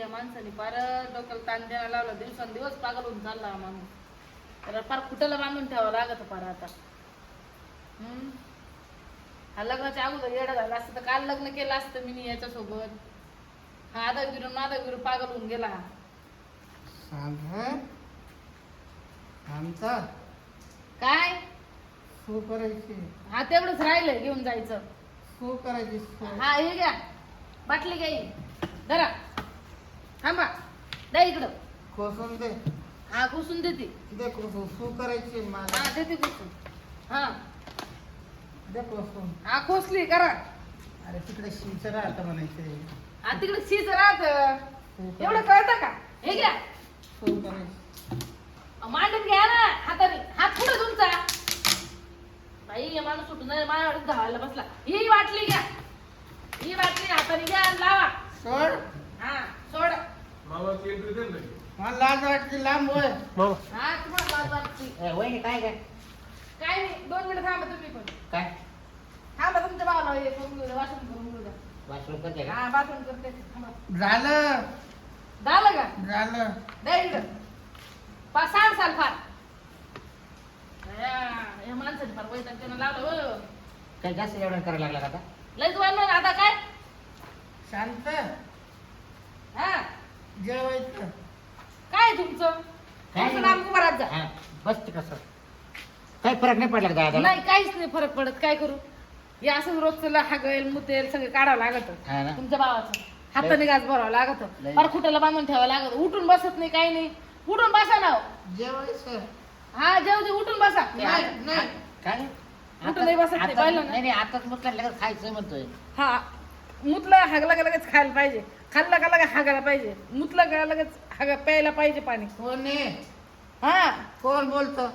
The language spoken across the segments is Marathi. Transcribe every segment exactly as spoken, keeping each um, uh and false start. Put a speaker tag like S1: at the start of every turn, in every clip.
S1: या माणसाने फार डोक्याला ताण द्यायला लावला, दिवसांदिवस पागल होऊन चालला हा माणूस. त्याला फार कुठेला बांधून ठेवावं लागत फार आता. हम्म हा लग्नाच्या अगोदर येडा झाला असतं तर काल लग्न केलं असतं मी याच्यासोबत. हा आधा विरून माधा विरून पागल होऊन गेला हा.
S2: आमचा
S1: काय
S2: सू करायची
S1: हा तेवढंच राहिलंय घेऊन जायचं.
S2: सू करायची सू.
S1: हा हे घ्या बाटली घ्या ही. धरा थांबा द्या इकडं.
S2: कोसून दे.
S1: हा कुसून देते.
S2: दे कोसून. सू करायची मला.
S1: हा देते कुसून. हा
S2: दे कोसून.
S1: हा खोसली करा.
S2: अरे तिकडे शिंच राहतं म्हणायचं.
S1: हा तिकडे शीच राहत. एवढं कळतं का? हे घ्या
S2: सू करायची.
S1: मांडून घ्या ना हाताने. हात पुढे तुमचा. बाई हे माणूस सुटून माझ्यावर धावायला बसला. ही बाटली घ्या. ही बाटली हाताने घ्या आणि लावा.
S2: सोड.
S1: हा सोड.
S2: मला लाज वाटते. लांब होय.
S1: हा तुम्हाला लाज वाटते.
S3: वहिनी काय काय
S1: काय नाही दोन मिनिट थांबा तुम्ही पण.
S3: काय
S1: थांबा तुमच्या भावाला हे करून घेऊ द्या. वाशरूम करून घेऊ द्या.
S3: वाशरूम करते का
S1: हा बाथरूम करते. थांबा.
S2: झालं.
S1: झालं का?
S2: झालं.
S1: द्या इकडं. पाच सहा साल फार या- या माणसाने फार वैताग त्यानं लावलं हो.
S3: काही जास्त जेवण करायला लागला का आता
S1: लयच वाढलं आता काय.
S2: शांत.
S1: हा
S2: जेवायचं.
S1: काय तुमचं
S3: काय
S1: तुमचं नाम कुमारात जा.
S3: हा, बस ते कसं काही फरक नाही पडला का दादा
S1: नाही काहीच नाही फरक पडत. काय करू हे असं रोजचं हागेल मुतेल सगळं काढावं लागत.
S3: हा ना.
S1: तुमच्या भावाचं हाताने गाज भरावं लागत.
S3: लय.
S1: फार खुट्याला बांधून ठेवावं लागत. उठून बसत नाही काही नाही. उठून बसा ना.
S2: जेवायचं.
S1: हा जेव जे उठून बसा.
S2: नाही नाही.
S3: काय
S1: कुठं नाही बसत नाही,
S3: आता-
S1: पाहिलं ना?
S3: नाही नाही आताच मुतला लगेच खायचं म्हणतोय
S1: हा मुतला हागला का लगेच खायला पाहिजे. खाल्ला का लगेच हागायला पाहिजे. मुतला का लगेच हागा प्यायला पाहिजे पाणी.
S2: कोण आहे?
S1: हा
S2: कोण बोलतो?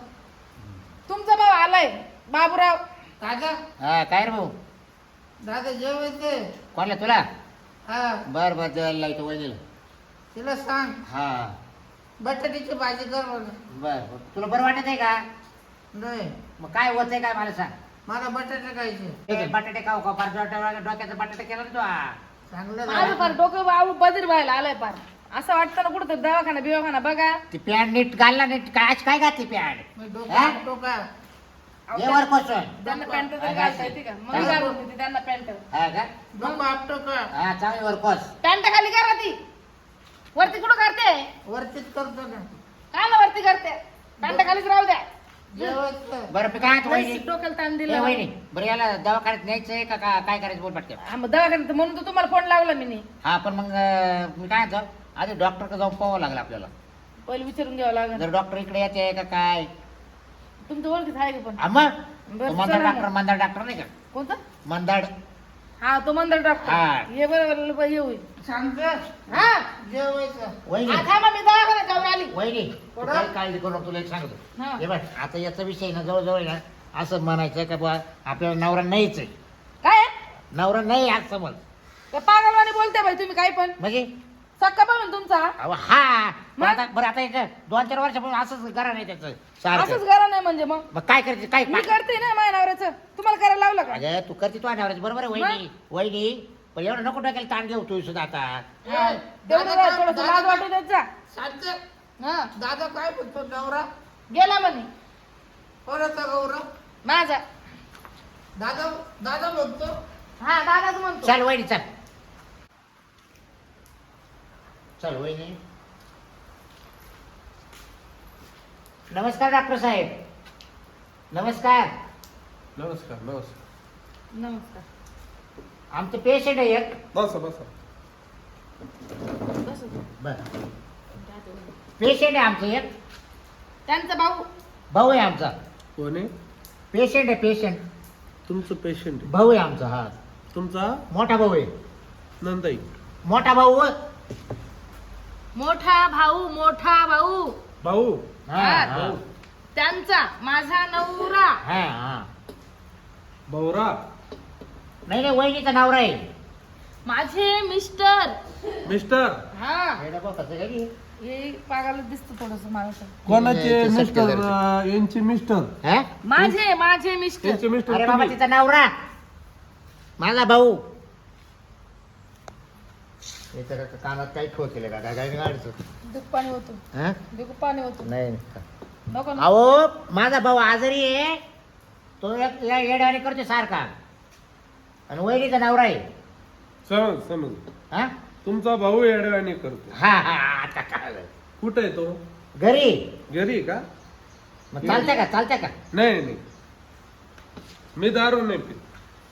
S1: तुमचा भाऊ आलाय बाबूराव.
S2: दादा.
S3: हा काय रे भाऊ
S2: दादा जेवायचं.
S3: कोणला तुला
S2: हा
S3: बर बर जेवायला लावतो वहिनीला
S2: तिला सांग
S3: हा
S2: बटाट्याची भाजी कर मला.
S3: बर बर तुला बरं वाटत आहे का
S2: नाही
S3: मग काय होत आहे काय मला सांग
S2: मला बटाटे खायचे.
S3: ठीक आहे, बटाटे खाऊ का फार डोक्याचा डोक्याचा बटाटा केला ना तू हा.
S2: चांगलं
S1: माझं
S2: झालं.
S1: फार डोकं बाबू बधीर व्हायला आलाय फार. असं वाटतं ना कुठं दवाखाना बिवाखाना बघा.
S3: ती पॅन्ट नीट घालला नीट काय आज काय घातली पॅन्ट
S2: मी
S3: हा?
S2: डोका डोका
S3: ये वर कोसून
S1: त्यांना पॅन्ट
S3: हा,
S1: तर घालता येते का? मग
S3: हा.
S1: घालून देते त्यांना पॅन्ट.
S3: हा का
S2: डोका आपटो का?
S3: हा चांगली वर कोस
S1: पॅन्ट खाली करा ती. वरती कुठं करते?
S2: वरतीच करतो ना.
S1: कायला वरती करते? पॅन्ट खालीच राहू द्या.
S2: जेवायचं.
S3: बरं मी काय म्हणतो वहिनी
S1: डोक्याला ताण
S3: ए
S1: दिला.
S3: वहिनी बरं याला दवाखान्यात न्यायचंय का का- काय करायचं बोल पटकन
S1: हा, मग दवाखान्यात म्हणून तर तुम्हाला फोन लावला मी नी.
S3: हा पण मग अं, मी काय म्हणतो आधी डॉक्टरकडे जाऊन पाहावं लागलं आपल्याला
S1: पहिले विचारून घ्यावं लागेल.
S3: जर डॉक्टर इकडे येते का काय
S1: तुमचं ओळखीत आहे का पण?
S3: हा मग
S1: बरं,
S3: तो मंदार
S1: चला
S3: डॉक्टर
S1: मग.
S3: मंदार डॉक्टर नाही का
S1: कोणतं?
S3: मंदाड
S1: हा तो मंदर डॉक्टर.
S3: हा.
S1: हे बरोबर हे होईल.
S2: शांत.
S1: हा
S2: जेवायचं.
S3: वहिनी
S1: हा, थांबा मी दवाखान्यात जाऊन आली.
S3: वहिनी तू
S2: थोडं-
S3: काही काळजी करू नको, तुला एक सांगतो
S1: हा.
S3: हे बघ आता याचा विषय ना जवळजवळ ना असं म्हणायचं का बा आपल्याला नवरा नाहीच आहे
S1: काय
S3: नवरा नाही आज समज
S1: ते पागलवाणी बोलते बाई तुम्ही काही पण.
S3: म्हणजे
S1: सक्का पण तुमचा
S3: अहो हा पण
S1: मग?
S3: आता बरं आता एक दोन चार वर्षापासून असंच करा नाही त्याचं
S1: असंच
S3: सारखं
S1: करा नाही म्हणजे मग
S3: मग काय करायचं काय
S1: मी करते ना माझ्या नवऱ्याचं. तुम्हाला करायला लावलं का?
S3: अगं तू करते तू नवऱ्याचं बरोबर आहे वहिनी वहिनी पण एवढं नको टाकायला ताण घेऊ तू सुद्धा आता
S1: हा, तेवढं
S2: दादा
S1: जरा
S2: काय-
S1: थोडंसं
S2: दादा
S1: लाज
S2: काय-
S1: वाटू देत जा.
S2: शांत.
S1: हा
S2: दादा काय बोलतो? नवरा
S1: गेला म्हणे
S2: कोणाचा गौरव?
S1: माझा.
S2: दादा दादा बोलतो.
S1: हा दादाच म्हणतो.
S3: चल वहिनी चल चल वहिनी नमस्कार डॉक्टर साहेब नमस्कार
S4: नमस्कार नमस्कार
S1: नमस्कार.
S3: आमचं पेशंट आहे एक
S4: बसा बसा
S1: बस
S3: बर पेशंट आहे आमचं एक
S1: त्यांचा भाऊ.
S3: भाऊ आहे आमचा
S4: कोण आहे
S3: पेशंट आहे पेशंट
S4: तुमचं पेशंट आहे
S3: भाऊ आहे आमचा हा
S4: तुमचा
S3: मोठा भाऊ आहे
S4: नंदाई
S3: मोठा भाऊ व-
S1: मोठा भाऊ मोठा भाऊ.
S4: भाऊ
S3: हा
S1: हा.
S3: हा
S1: त्यांचा माझा नवरा.
S3: हा हा
S4: भाऊरा
S3: नाही नाही वहिनीचा नवरा आहे
S1: माझे मिस्टर.
S4: मिस्टर
S1: हा
S3: हे डबा कसं काय की?
S1: हे पागाला दिसत थोडस मला तर.
S4: कोणाचे
S3: ते
S4: मिस्टर
S3: सत्तेदार.
S4: अं, यांचे मिस्टर
S3: हा?
S1: माझे माझे मिस्टर.
S4: यांचे मिस्टर
S3: अरे बाबा
S4: तुम्ही.
S3: तिचा नवरा माझा भाऊ याच्या का- कानात काही ठो केलं का काय काय गाडचं
S1: दूध पाणी होतो
S3: हा
S1: दूध पाणी होतो
S3: नाही
S1: नको ना.
S3: अहो माझा भाऊ आजारी आहे तो एक या येड्यावानी करतो सारखा आणि वहिनीचा नवरा आहे
S4: समज समज
S3: हा
S4: तुमचा भाऊ येडवाणी करतो.
S3: हा हा आता कळलं.
S4: कुठे आहे तो?
S3: घरी
S4: घरी आहे का?
S3: मग चालतंय का चालतंय का
S4: नाही नाही मी दारू नाही पित.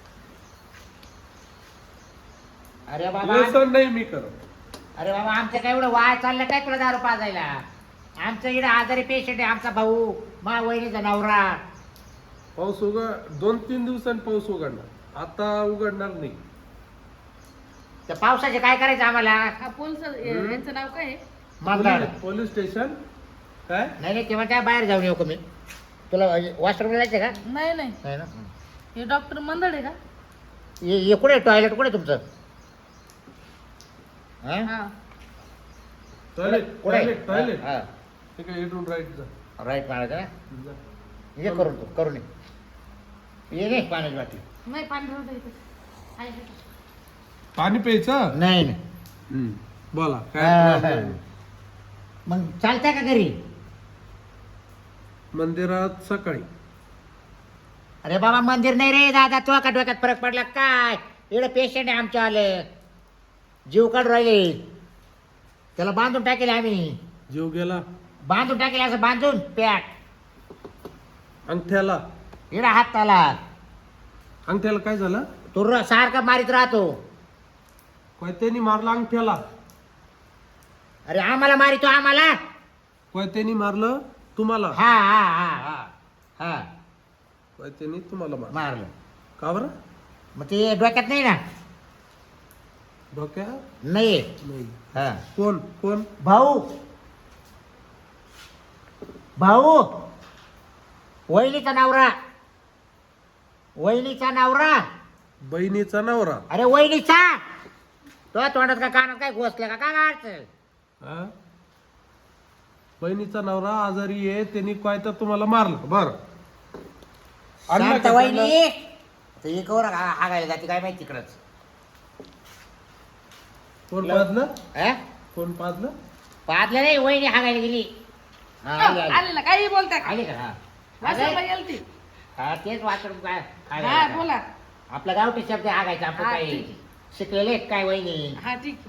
S3: अरे बाबा
S4: व्यसन नाही मी करत.
S3: अरे बाबा आमचं काय एवढं वाय चाललं काय तुला दारू पाजायला आमचं इकडे आजारी पेशंट आहे आमचा भाऊ मा वहिनीचा नवरा
S4: पाऊस उघड दोन तीन दिवसांनी पाऊस उघडणार आता उघडणार नाही.
S3: त्या पावसाचे काय करायचं आम्हाला
S1: हा पोलीस यांचं नाव काय आहे?
S3: मागणार
S4: पोलीस- पोलीस स्टेशन काय
S3: नाही नाही तेव्हा त्या बाहेर जाऊन येऊ का मी तुला वॉशरूमला जायचं का
S1: नाही नाही
S3: नाही ना
S1: हे डॉक्टर मंदड आहे का
S3: हे हे कुठे टॉयलेट कुठे तुमचं हा?
S1: हा
S4: टॉयलेट
S3: कुठे
S4: टॉयलेट टॉयलेट
S3: हा
S4: ठीक आहे इथून राईट जा
S3: राईट मारायचं ना
S4: जा.
S3: ये करून तू करून ये. ये रे पाण्याची वाटी
S1: नाही पाणी राहू दे इथे. आहे, आहे.
S4: पाणी प्यायचं
S3: नाही नाही
S4: हम्म. बोला काय
S3: हा,
S4: problem?
S3: हा. मग चालतंय का घरी
S4: मंदिरात सकाळी
S3: अरे बाबा मंदिर नाही रे दादा तो का डोक्यात फरक पडला काय एवढं पेशंट आहे आमच्या आले जीव काढून राहिले त्याला बांधून टाकेल आम्ही
S4: जीव गेला
S3: बांधून टाकेल असं बांधून पॅक
S4: अंगठ्याला
S3: एवढा हात आला
S4: अंगठ्याला काय झालं
S3: तो र- सारखा मारीत राहतो
S4: कोयत्यानी मारला अंगठ्याला
S3: अरे आम्हाला मारितो आम्हाला
S4: कोयत्यानी मारलं तुम्हाला
S3: हा हा हा हा हा
S4: कोयत्यानी तुम्हाला मारलं
S3: मारलं
S4: का बरं
S3: मग ते डोक्यात नाही ना
S4: डोक्या
S3: नाही
S4: नाही
S3: हा
S4: कोण कोण
S3: भाऊ भाऊ वहिनीचा नवरा वहिनीचा नवरा
S4: बहिणीचा नवरा
S3: अरे वहिनीचा तो तोंडात का कानात काय घोसलं का काय गाडचं
S4: हा? बहिणीचा नवरा आजारी आहे त्यांनी कोयता तुम्हाला मारलं बर
S3: शांत वहिनी तर एक वर हागायला जाते काय माहिती तिकडच
S4: कोण पाजलं कोण पाजलं
S3: पाहतलं नाही वहिनी हागायला गेली हा, आली, आली.
S1: आले ना काही बोलता का
S3: आली का हा
S1: वासरला
S3: अरे,
S1: गेलती
S3: हा तेच वाचून काय
S1: हा
S3: हागायला.
S1: बोला
S3: आपला गावठी शब्द हागायचा आपण
S1: हा,
S3: काय
S1: ठीक.
S3: शिकलेले आहेत काय वहिनी
S1: हा ठीक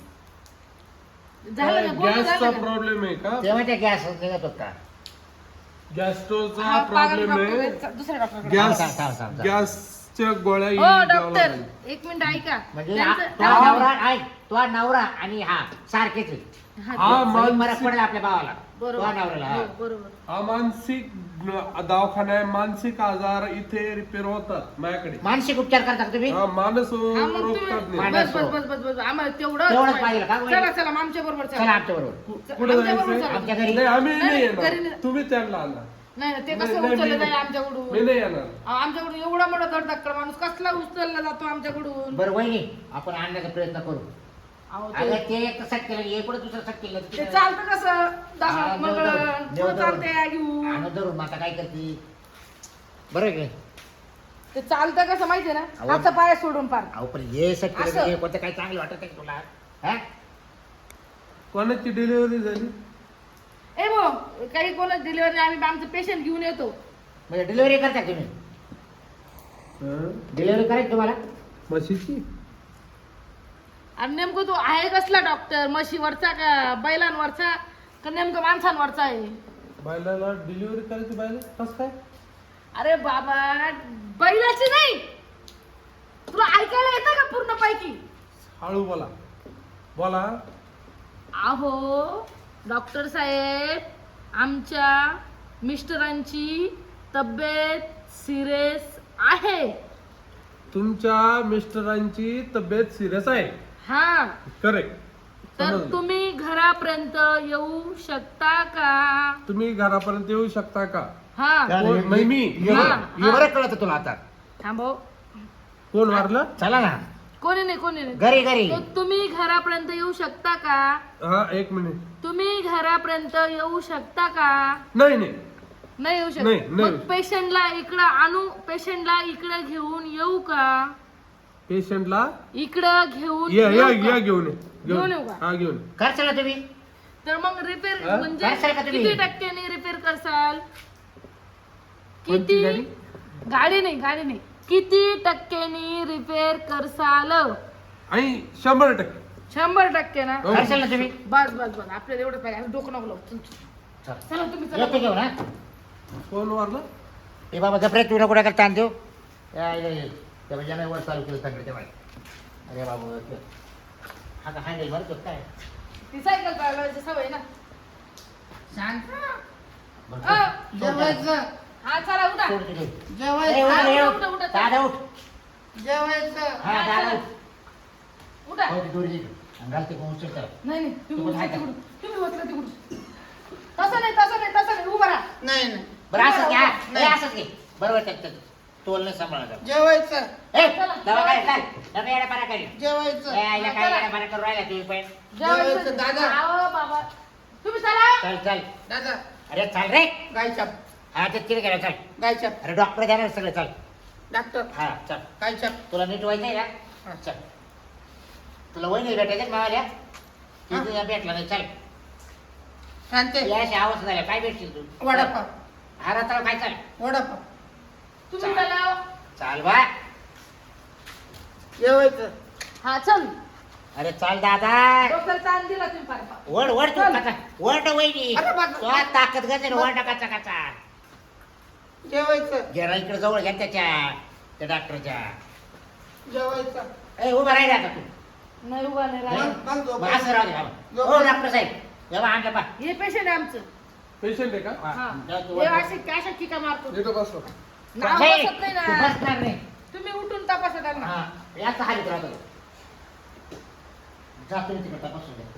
S1: आहे झालं का बोलणं
S4: गॅसचा
S1: झालं का?
S4: प्रॉब्लेम आहे का
S3: तेव्हा त्या गॅस निघत होता
S4: गॅस्ट्रोचा
S1: हा, पागल
S4: प्रॉब्लेम
S1: डॉक्टर
S4: आहे
S1: आहेत. दुसऱ्या डॉक्टरकडे
S4: गॅस
S3: थांब, थांब, थांब, थांब.
S4: गॅसच्या गोळ्या
S1: हो
S4: द्यावं
S1: डॉक्टर
S4: लागेल.
S1: एक मिनिट ऐका
S3: म्हणजे हा-
S1: त्यांचं-
S3: तो नवरा ऐक तो नवरा आणि हा सारखेच आहे.
S1: हा,
S4: हा
S3: सगळी फरक
S4: मानसिक
S3: पडेल आपल्या भावाला
S1: बरोबर
S3: तो नवऱ्याला हा.
S1: हो, बरोबर
S4: हा मानसिक दवाखाना आहे मानसिक आजार इथे रिपेअर होतात माझ्याकडे
S3: मानसिक उपचार करता का तुम्ही
S4: हा मानस
S1: हा, मग
S4: रोग
S1: तुम्ही-
S4: तज्ञ.
S3: मानस
S1: बस बस बस बस बस आम्हाला तेवढं
S3: तेवढंच पाहिजे का?
S1: चला चला मग आमच्या बरोबर
S3: चला
S1: चला
S3: आमच्या बरोबर
S4: कु-
S1: च-
S4: कुठे
S1: आमच्या बरोबर
S4: जायचंय
S1: चला.
S3: आमच्या घरी
S4: नाही आम्ही
S1: नाही,
S4: नाही
S1: घरी
S4: येणार
S1: नाही.
S4: तुम्ही त्यांना आणा
S1: नाही नाही, ते
S4: नाही,
S1: कसं
S4: नाही,
S1: उचललं
S4: मी-
S1: जाईल
S4: मी
S1: आमच्याकडून
S4: नाही येणार
S1: अहो, आमच्याकडून एवढा मोठा धडधक्कड माणूस कसला उचलला जातो आमच्याकडून
S3: बरं वहिनी आपण आणण्याचा प्रयत्न करू
S1: अहो,
S3: अगं
S1: ते-
S3: ते एक सट केलं हे कुठं दुसरं सट केलं
S1: ते चालतं कसं दहा
S3: हा,
S1: मग
S3: देव धरून, देव
S1: पुढं
S3: धरून.
S1: चालतंय घेऊन
S3: आणून धरून मग आता काय करते बरं आहे की नाही?
S1: ते चालतं कसं माहितीये ना
S3: अहो.
S1: हातचा पाय सोडून पार
S3: अहो पण हे सट केलं
S1: असं.
S3: हे कोणतं काही चांगलं वाटत आहे का तुला हा
S4: कोणाची डिलिव्हरी झाली
S1: ए भाऊ काही कोणाच डिलिव्हरी आम्ही आमचं पेशंट घेऊन येतो
S3: म्हणजे डिलिव्हरी करता का तुम्ही
S4: हा?
S3: डिलिव्हरी करायची तुम्हाला
S4: म्हशीची
S1: आणि नेमकं तो आहे कसला डॉक्टर म्हशीवरचा का बैलांवरचा का नेमकं माणसांवरचा आहे
S4: बायलाला डिलिव्हरी करायची बायला कस काय
S1: अरे बाबा बैलाची नाही तुला ऐकायला येतं का पूर्ण पैकी
S4: हळू बोला बोला
S1: अहो डॉक्टर साहेब आमच्या मिस्टरांची तब्येत सिरियस आहे
S4: तुमच्या मिस्टरांची तब्येत सिरियस आहे
S1: हा
S4: करेक्ट
S1: तर तुम्ही घरापर्यंत येऊ शकता का
S4: तुम्ही घरापर्यंत येऊ शकता का
S1: हा
S4: कोण? नाही मी.
S3: हे
S1: हा,
S3: बरं- हे
S1: हा.
S3: बरं कळत तुला आता
S1: थांबव
S4: कोण मारलं
S3: चला ना
S1: कोणी नाही कोणी नाही
S3: घरी घरी
S1: तर तुम्ही घरापर्यंत येऊ शकता का
S4: हा एक मिनिट
S1: तुम्ही घरापर्यंत येऊ शकता का
S4: नाही नाही
S1: नाही येऊ
S4: नाही,
S1: शकत
S4: नाही.
S1: मग पेशंटला इकडं आणू पेशंटला इकडे घेऊन येऊ का
S4: पेशंटला
S1: इकडं घेऊन
S4: या या
S1: येऊ का?
S4: या घेऊन ये.
S1: घेऊन येऊ का?
S4: हा घेऊन ये.
S3: करशाल ना तुम्ही
S1: तर मग रिपेअर
S4: हा?
S1: म्हणजे
S3: करशाल का तुम्ही?
S1: किती टक्क्यांनी रिपेअर करसाल?
S4: कोणती
S1: किती
S4: गाडी?
S1: गाडी नाही गाडी नाही किती टक्क्यांनी रिपेअर करसाल?
S4: आणि शंभर टक्के
S1: शंभर टक्के ना
S4: हो.
S3: करशाल ना तुम्ही
S1: बस बस बस आपल्याला एवढं पाहिजे आम्ही डोकं नको लावू. चल, चल.
S3: चल.
S1: चला तुम्ही चला.
S3: येतो घेऊन हा
S4: फोन वरला
S3: ए बाबा गपरे तुला कुठे करता ताण देऊ या इला ये. त्या बाईने वर चालू केलं सगळं त्या बाई. अरे बाबू हा का हँडल बरं तो काय
S1: ती सायकल चालवायची सवय ना.
S2: शांत
S3: बरं,
S1: अ,
S3: सोड त्याला.
S2: जेवायचं
S1: हा चला उठा.
S3: सोड तिथे. ए, उठ
S2: जेवायचं
S3: रे,
S1: उठा,
S3: उठ.
S1: उठा, उठा.
S3: दादा उठ
S2: जेवायचं
S3: हा दादा उठ
S1: उठा.
S3: हो ती दोरी दे. आणि घाल ते कोण उचल त्याला.
S1: नाही नाही तुम्ही
S3: तू
S1: उचला
S3: काय
S1: तिकडून. तुम्ही उचला तिकडून. तसं नाही तसं नाही तसं नाही उभा राहा.
S2: नाही नाही
S3: बरं असंच घ्या
S2: नाही.
S3: ए, असंच घे बरोबर त्यात तोल नाही सांभाळा
S2: जेवायचं
S3: ए दवा काय काय डबे येडा पारा करी
S2: जेवायचं
S3: ए आईला काय येडा पारा करू राहिला तुम्ही पण
S2: जेवायचं, दादा.
S1: आहो बाबा तुम्ही चला.
S3: चल चल
S2: दादा
S3: अरे चल रे
S2: गायछाप
S3: हा ते तिथे गेला चल
S2: गायछाप
S3: अरे डॉक्टर देणार सगळं चल
S2: डॉक्टर
S3: हा चल
S2: गायछाप
S3: तुला नीट व्हायचंय ना
S2: हा.
S3: चल तुला वहिनी भेटायचं मावाल्या
S2: हा.
S3: तिथे भेटला नाही चल
S2: शांते
S3: याशी आवाज झाला काय भेटशील तू
S2: वडापाव
S3: हा रात्र काय चल
S2: वडापाव
S1: तुम्ही
S3: चला.
S1: चला.
S3: चाल बा
S2: जेवायचं
S1: हा चल.
S3: अरे चाल दादा
S1: डोक्याला ताण दिला तुम्ही फार फार.
S3: वड वड तू
S1: चल.
S3: कचा वड वहिनी
S2: अरे बाप.
S3: तो ताकद गजे वड कचा कचा
S2: जेवायचं
S3: जरा इकडे जवळ घ्या त्याच्या त्या डॉक्टरच्या
S2: जेवायचं
S3: ए उभा राहिला आता तू
S1: नाही उभा नाही राहिला.
S2: मग- मग
S3: मग
S2: झोपायचं.
S3: असं राहू दे बाबा. हो डॉक्टर साहेब जेव्हा आणलं पा
S1: हे पेशंट आहे आमचं.
S4: पेशंट आहे का
S1: हा.
S3: जा तू
S1: हे
S3: वर.
S1: अशी काय अशा ठिका मारतो.
S4: इथं बसतो
S1: नाव
S3: नाही,
S1: बसत नाही
S3: तू
S1: ना.
S3: बसणार नाही
S1: तुम्ही उठून तपासा त्यांना.
S3: हा याचा हालीत राहतो जातो मी तिकडे तपासून घे.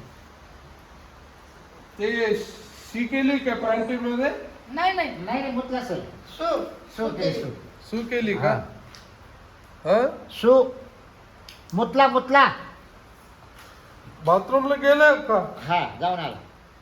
S4: ते शी केली का पॅन्टी मध्ये
S1: नाही नाही
S3: नाही नाही मुतला सर
S2: सो
S3: सो ते सो
S4: सू केली का हा
S3: सो मुतला मुतला
S4: बाथरूमला गेले का
S3: हा जाऊन आला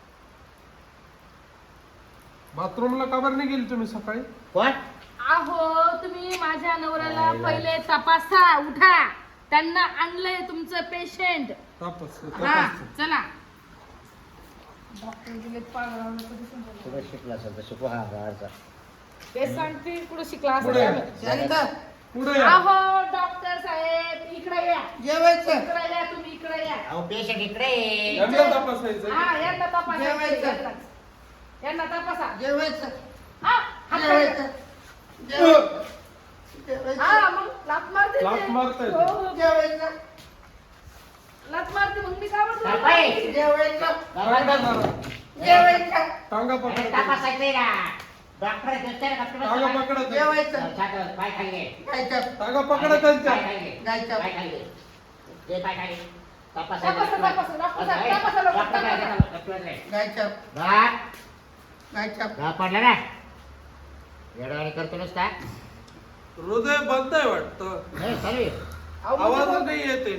S4: बाथरूमला का बरं नाही गेली तुम्ही सकाळी
S3: कोण
S1: अहो तुम्ही माझ्या नवऱ्याला
S3: नाही, नाही.
S1: पहिले तपासा. उठा. त्यांना आणलंय तुमचं पेशंट.
S4: तापस
S1: हा
S4: तापस
S1: चला. डॉक्टर गेले पागल आवडलं कधी समजलं.
S3: कुठे शिकला असेल तर शिकू हा गाडचा
S1: ते सांगते कुठं शिकला
S4: पुढे.
S1: असं.
S2: शांत
S4: पुढे या
S1: अहो डॉक्टर साहेब इकडे या.
S2: जेवायचं
S1: इकडे या तुम्ही इकडे या.
S3: अहो पेशंट इकडे ये.
S4: यांना तपासायचं
S1: हा यांना तपासा.
S2: जेवायचं.
S1: यांनाच. यांना तपासा.
S2: जेवायचं
S1: हा हात
S2: जेवायचं
S1: काढा.
S2: जेवायचं जेवायचं
S1: हा मग लात मारते
S4: लाथ
S1: ते.
S4: मारतायत.
S1: हो, हो.
S2: जेवायचं
S1: लात मारते मग मी काय
S3: काय बाई?
S1: म्हणतो.
S2: जेवायचं
S3: बाबा,
S4: टांगा
S3: बाबा.
S4: मारा.
S2: जेवायचं
S4: टांगा
S3: अरे
S4: पकडा
S3: तपासायचंय ना डॉक्टर दिसतंय ना डॉक्टर
S4: टांगा
S3: बसला.
S4: पकडा
S2: जेवायचं
S3: छाती- पाय खाली घे.
S2: गायछाप
S4: टांगा पकडा त्यांच्या
S3: पाय खाली घे.
S2: गायछाप
S3: पाय खाली घे. घे पाय खाली. तपास
S1: तपासा, तपासा, डॉक्टर साहेब, तपासा, डॉक्टर,
S3: डॉक्टर काय
S1: तपासा.
S3: देतात? डॉक्टर काय?
S2: गायछाप
S3: घाट.
S2: गायछाप
S3: घाट पडला ना येडवाणी करतो नुसता
S4: हृदय बंद आहे वाटतं
S3: नाही चालू आहे.
S4: आवाज नाही येते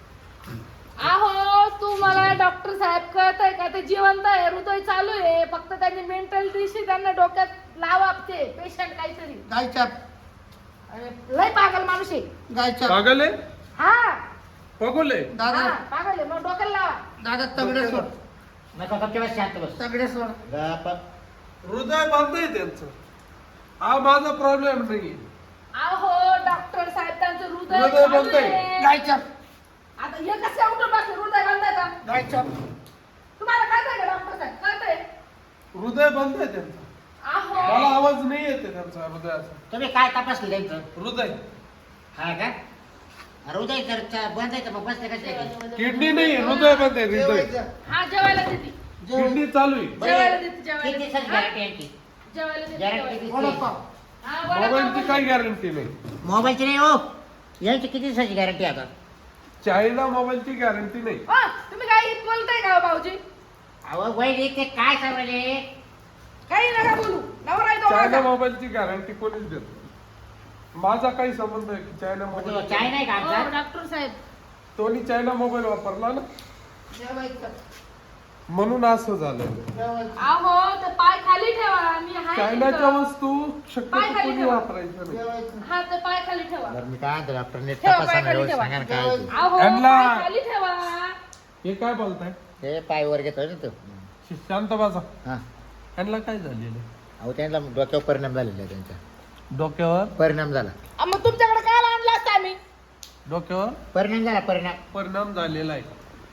S1: अहो तू मला डॉक्टर साहेब कळतंय का ते जिवंत आहे हृदय चालू आहे फक्त त्यांनी मेंटल दिवशी त्यांना डोक्यात लावा ते पेशंट काहीतरी.
S2: गायछाप
S1: अरे लय पागल माणूस आहे.
S2: गायछाप
S4: पागल आहे
S1: हा
S4: पगोले
S2: दादा
S1: हा, पागल आहे मग डोक्याला लावा.
S2: दादा तगडे सोड
S3: नको गपच्या बस शांत बस
S2: तगडे सोड
S3: गप.
S4: हृदय बंद आहे त्यांचं हा माझा प्रॉब्लेम नाही
S1: अहो डॉक्टर साहेब त्यांचं हृदय
S4: हृदय
S1: चालू
S4: बंद आहे.
S1: आहे.
S2: गायछाप
S1: आता हे कसं उठून बसले हृदय बंद आहे का
S2: गायछाप
S1: तुम्हाला कळतंय का डॉक्टर साहेब कळतंय.
S4: हृदय बंद आहे त्यांचं
S1: अहो
S4: मला आवाज नाही येते त्यांचा हृदयाचा
S3: तुम्ही काय तपासलं त्यांचं
S4: हृदय
S3: हा का हृदय जर चा- बंद आहे तर मग बसले कसे
S4: किडनी नाही हृदय बंद आहे हृदय
S2: जेवायचं
S1: हा जेवायला देते
S2: जेवायचं
S4: किडनी चालू आहे
S1: जेवायला देते जेवायला
S3: किती
S1: देते.
S3: दिवसाची गॅरंटी यांची
S1: जेवायला देते
S3: गॅरंटी
S1: जेवायला.
S3: किती
S2: वडापाव
S1: हा, वडापाव
S4: मोबाईलची
S1: पण
S4: काही गॅरंटी नाही
S3: मोबाईलची नाही हो यांची किती दिवसाची गॅरंटी आता
S4: चायना मोबाईलची गॅरंटी नाही
S1: हा, तुम्ही काही बोलताय का हो भाऊजी
S3: अहो वैरी ते काय सांगले
S1: काही नका बोलू नवरा आहे तो
S4: चायना
S1: माझा.
S4: मोबाईलची गॅरंटी कोणीच देत नाही. माझा काही संबंध आहे की चायना मोबाईल
S3: चाय नाही का
S1: हो,
S3: आमचा
S1: डॉक्टर साहेब
S4: तोनी चायना मोबाईल वापरला ना
S2: जेवायचं
S4: म्हणून असं झालं
S1: अहो ते पाय खाली ठेवा मी हाय
S4: चायनाच्या
S1: तिथं.
S4: वस्तू
S1: पाय
S4: शक्यतो
S1: खाली
S4: कोणी
S1: ठेवा.
S4: वापरायचं नाही.
S1: हा ते पाय खाली ठेवा
S3: बरं मी काय म्हणतो डॉक्टरने
S1: ठेवा,
S3: तपासा
S1: पाय
S3: ना
S1: खाली
S3: व्यवस्थित
S1: ठेवा.
S3: सांगा ना काय आहे ते.
S1: अहो
S4: यांना-
S1: पाय खाली ठेवा
S4: हे काय बोलताय
S3: ते पाय वर घेतोय ना तो
S4: शांत बसा.
S3: हा
S4: यांना काय झालेलं
S3: अहो त्यांना डोक्यावर परिणाम झालेला आहे त्यांचा
S4: डोक्यावर
S3: परिणाम झाला
S1: अ, मग तुमच्याकडे काय आणलं असतं आम्ही
S4: डोक्यावर
S3: परिणाम झाला परिणाम
S4: परिणाम झालेला आहे.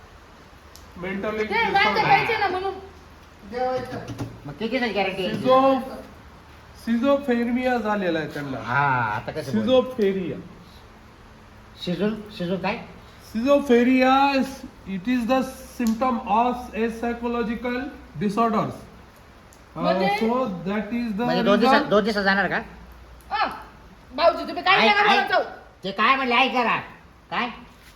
S4: मेंटली
S1: ते गांजा प्यायचे ना म्हणून
S3: मग किती गॅरंटी
S4: सिझो सिझोफ्रेनिया झालेला आहे त्यांना.
S3: हा आता कसं बोल?
S4: सिझोफ्रेनिया
S3: शिजून शिजून काय
S4: Schizophrenia is it is the symptom of a psychological disorders. Uh,
S1: म्हणजे?
S4: so that is the
S3: म्हणजे दोन दिवसात
S4: result.
S3: दोन दिवसात जाणार का
S1: अ, भाऊजी तुम्ही काय
S3: ऐक-
S1: नका
S3: ऐक.
S1: बोलत जाऊ.
S3: ते काय म्हणले ऐक जरा काय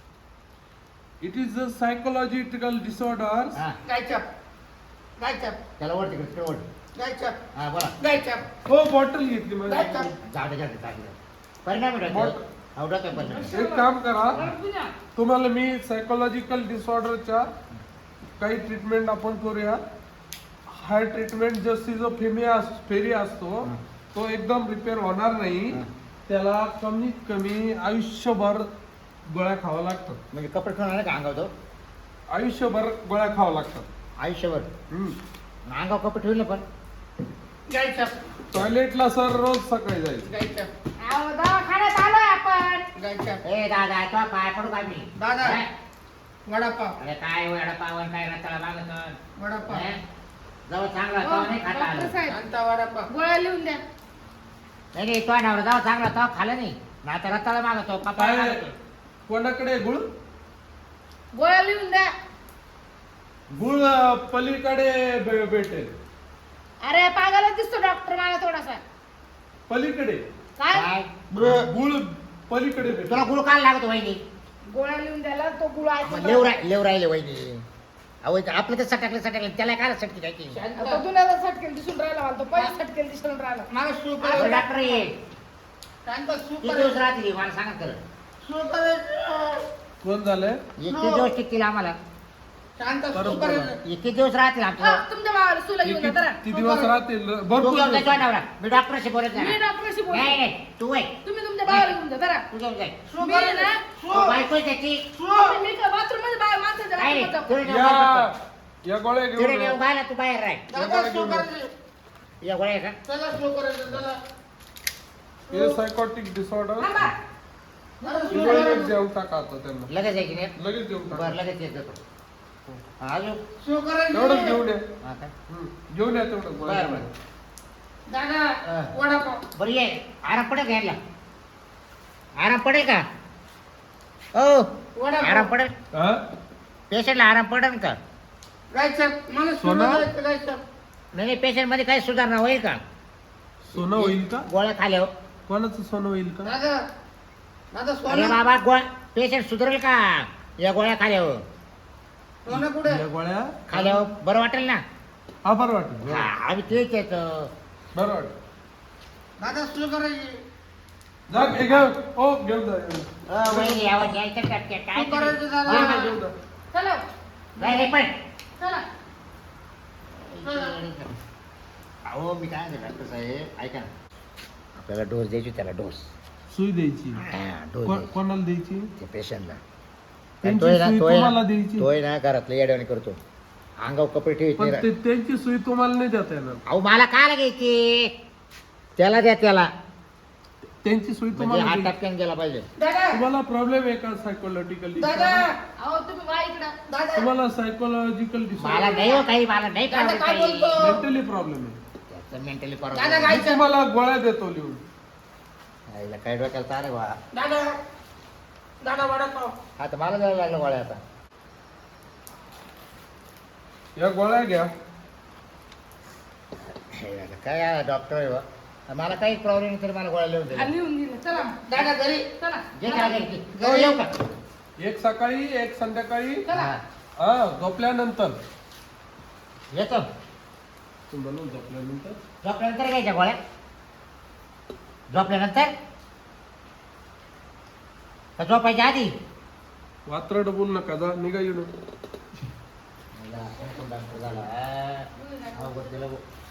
S4: It is the psychological disorders.
S3: हा
S2: गायछाप गायछाप
S3: त्याला वर तिकडे तिकडे वर
S2: गायछाप
S3: हा बोला
S2: गायछाप
S4: हो बॉटल घेतली माझी.
S2: गायछाप
S3: जाऊ दे जाऊ दे जाऊ दे. परिणाम आहे
S4: बोट-
S3: डोक्यावर. अहो डोक्यावर परिणाम आहे.
S4: एक काम करा
S1: बरं, ना.
S4: तुम्हाला मी सायकोलॉजिकल डिसऑर्डरच्या काही ट्रीटमेंट आपण करूया. हा ट्रीटमेंट जो सिझोफ्रेनिया फेरी असतो तो एकदम रिपेअर होणार नाही.
S3: हा.
S4: त्याला कमीत कमी आयुष्यभर गोळ्या खावा लागतात.
S3: म्हणजे कपडे ठेवणार का अंगावर तो
S4: आयुष्यभर गोळ्या खावा लागतात.
S3: आयुष्यभर
S4: हम्म.
S3: अंगावर कपडे ठेवले पण
S2: गायछाप
S4: टॉयलेटला सर रोज सकाळी जायचं.
S2: गायछाप
S1: अहो, दवाखान्यात आलोय आपण
S2: गायछाप
S3: ए दादा तो पाय पडू काय मी
S2: दादा.
S3: हा?
S2: वडापाव
S3: अरे काय वेळा पावन काय रताळा लागत
S2: वडापाव
S3: जवळ चांगला
S1: हो,
S3: तो नाही खाता
S1: डॉक्टर
S3: आलं
S1: साहेब
S2: शांता वडापाव
S1: गोळ्या लिहून द्या
S3: नाही नाही तो नवरा जाऊ चांगला तो खाल्ला नाही ना आता रताळा मागतो पप्पा
S4: काय
S3: मागतो
S4: कोणाकडे गुळ
S1: गोळ्या लिहून द्या
S4: गुळ अं, पलीकडे भे- भेटेल.
S1: अरे पागाला दिसतो डॉक्टर मला थोडासा
S4: पलीकडे
S1: काय
S3: काय
S4: गुळ पलीकडे भेटेल.
S3: तुला गुळ काल लागतो वहिनी
S1: गोळ्या लिहून द्यायला तो गुळ आहे
S3: लेव राय लेव राहिले वहिनी अहो इथं आपलं तर सटकलं सटकलं त्याला काय सटकी काय की
S1: आता दुनियाला सटकेल दिसून राहिला मला तो पहिला सटकेल दिसून राहिला
S2: मला सू
S3: अहो,
S2: करायचं
S3: डॉक्टर ये
S2: शांता सू
S3: किती दिवस
S2: करायचं
S3: राहतील मला सांगा तर
S2: सू करायचं
S4: कोण झालंय
S3: हे किती दिवस टिकतील आम्हाला
S2: शांता सू
S4: बरोबर.
S2: करायचं
S3: हे किती दिवस राहतील
S1: हा,
S3: आमचं
S1: तुमच्या भावाला सुला घेऊन जा जरा
S4: किती दिवस राहतील
S3: तू
S4: भरपूर
S3: घेऊन
S4: दिवस.
S3: जाय नवरा मी डॉक्टरशी बोलत
S1: मी
S3: नाही
S1: डॉक्टरशी बोलतो
S3: नाही नाही तू वय
S1: तुम्ही तुमच्या भावाला घेऊन जा जरा
S3: तू घेऊन जाय
S2: सू
S1: मी ना
S2: करायचं
S3: तो बायको आहे त्याची
S1: तुम्ही मी बाथरूम मध्ये बाहेर माणसाच्या
S3: काय
S1: बाथरूमात
S3: नाही
S1: जाऊ.
S3: तुला नेऊन बाहेर
S4: या या गोळ्या
S3: पडतो. तुला
S4: घेऊन
S3: नेऊन
S4: या.
S3: बाहेर तू बाहेर राह
S2: दादा सू करायचं
S3: या गोळ्या आहे का
S2: चला सू करायचं चला
S4: हे सायकोटिक डिसऑर्डर
S1: थांबा.
S2: मला सू
S4: लगेच
S2: करायचं
S4: जेवण टाका आता त्यांना.
S3: लगेच आहे की नाही
S4: लगेच जेवण टाका.
S3: बरं लगेच येत जातो हा, अजून
S2: सू
S4: तेवढंच घेऊन
S2: करायचं
S4: या.
S3: हा काय
S4: हम्म. घेऊन या तेवढं गोळ्या.
S3: बरं बरं
S2: दादा
S3: हा.
S2: वडापाव
S3: बरं ये आराम पडेल घ्यायला आराम पडेल का ओ
S2: वडापाव
S3: आराम पडेल
S4: हा?
S3: पेशंटला आराम पडेल का
S2: गायछाप मला सू
S4: सोना?
S2: करायचं गायछाप
S3: नाही नाही पेशंट मध्ये काही सुधारणा होईल का
S4: सोनं होईल का
S3: गोळ्या खाल्यावर
S4: कोणाचं सोनं होईल का
S2: दादा दादा
S3: अरे
S2: सोनं
S3: बाबा गोळ्या पेशंट सुधारेल का या गोळ्या खाल्यावर
S2: सोनं कुठे
S4: या गोळ्या
S3: खाल्यावर बरं वाटेल ना
S4: हा बरं वाटेल
S3: हा आम्ही तेच येतं
S4: बरं वाटेल.
S2: दादा सू करायची
S4: जा घे घेऊन ओ घेऊन जा घेऊन जा.
S3: अ, वहिनी यावं द्यायचं टपक्यात काय
S2: तू करायचं
S3: तुम्ही?
S2: दादा.
S3: हा,
S4: घेऊन जा.
S1: चला
S3: नाही नाही, पण
S1: चला
S3: अहो मी काय म्हणतो डॉक्टर साहेब ऐका ना आपल्याला डोस द्यायची त्याला डोस
S4: सुई द्यायची
S3: हा डोस
S4: को-
S3: द्यायची
S4: कोणाला द्यायची
S3: त्या पेशंटला
S4: त्यांची
S3: तोय ना
S4: सुई
S3: तोय
S4: तुम्हाला
S3: ना
S4: द्यायची
S3: तोय ना घरातलं येड्यावानी करतो अंगावर कपडे ठेवत
S4: पण
S3: नाही
S4: ते
S3: रा-
S4: त्यांची सुई तुम्हाला नाही देता येणार.
S3: अहो मला काय घ्यायची त्याला द्या त्याला
S4: त्यांची सुई
S3: म्हणजे
S4: तुम्हाला
S3: हा
S4: द्यायची.
S3: टपक्यान गेला पाहिजे
S2: दादा
S4: तुम्हाला प्रॉब्लेम आहे का सायकोलॉजिकल
S2: दादा
S1: अहो तुम्ही वा इकडं
S2: दादा
S4: तुम्हाला सायकोलॉजिकल
S3: मला नाही हो काही मला नाही
S2: दादा
S3: problem
S2: काय
S3: काही.
S2: बोलतो
S4: मेंटली प्रॉब्लेम आहे.
S3: त्याचं मेंटली
S2: दादा
S4: मी
S2: काय
S4: तुम्हाला गोळ्या देतो लिहून.
S3: आईला काय डोक्याला चालेल बा
S2: दादा दादा वडापाव
S3: आता मला जायला लागलं गोळ्या आता
S4: या गोळ्या घ्या.
S3: हे आता काय डॉक्टर आहे बा मला काही प्रॉब्लेम नाही तरी मला गोळ्या लिहून
S1: आ,
S3: दिल्या
S1: लिहून दिलं चला
S2: दादा घरी
S1: चला
S3: जे काय घ्यायची. हो, येऊ का
S4: एक सकाळी एक संध्याकाळी
S1: चला
S3: हा.
S4: हा झोपल्यानंतर
S3: येतो
S4: म्हणून झोपल्यानंतर
S3: झोपल्यानंतर घ्यायच्या गोळ्या झोपल्यानंतर का झोपायच्या आधी
S4: वात्रट बोल नका जा निघा येऊन.
S3: मला कोण डॉक्टर झाला हा? अवघड केलं भाऊ.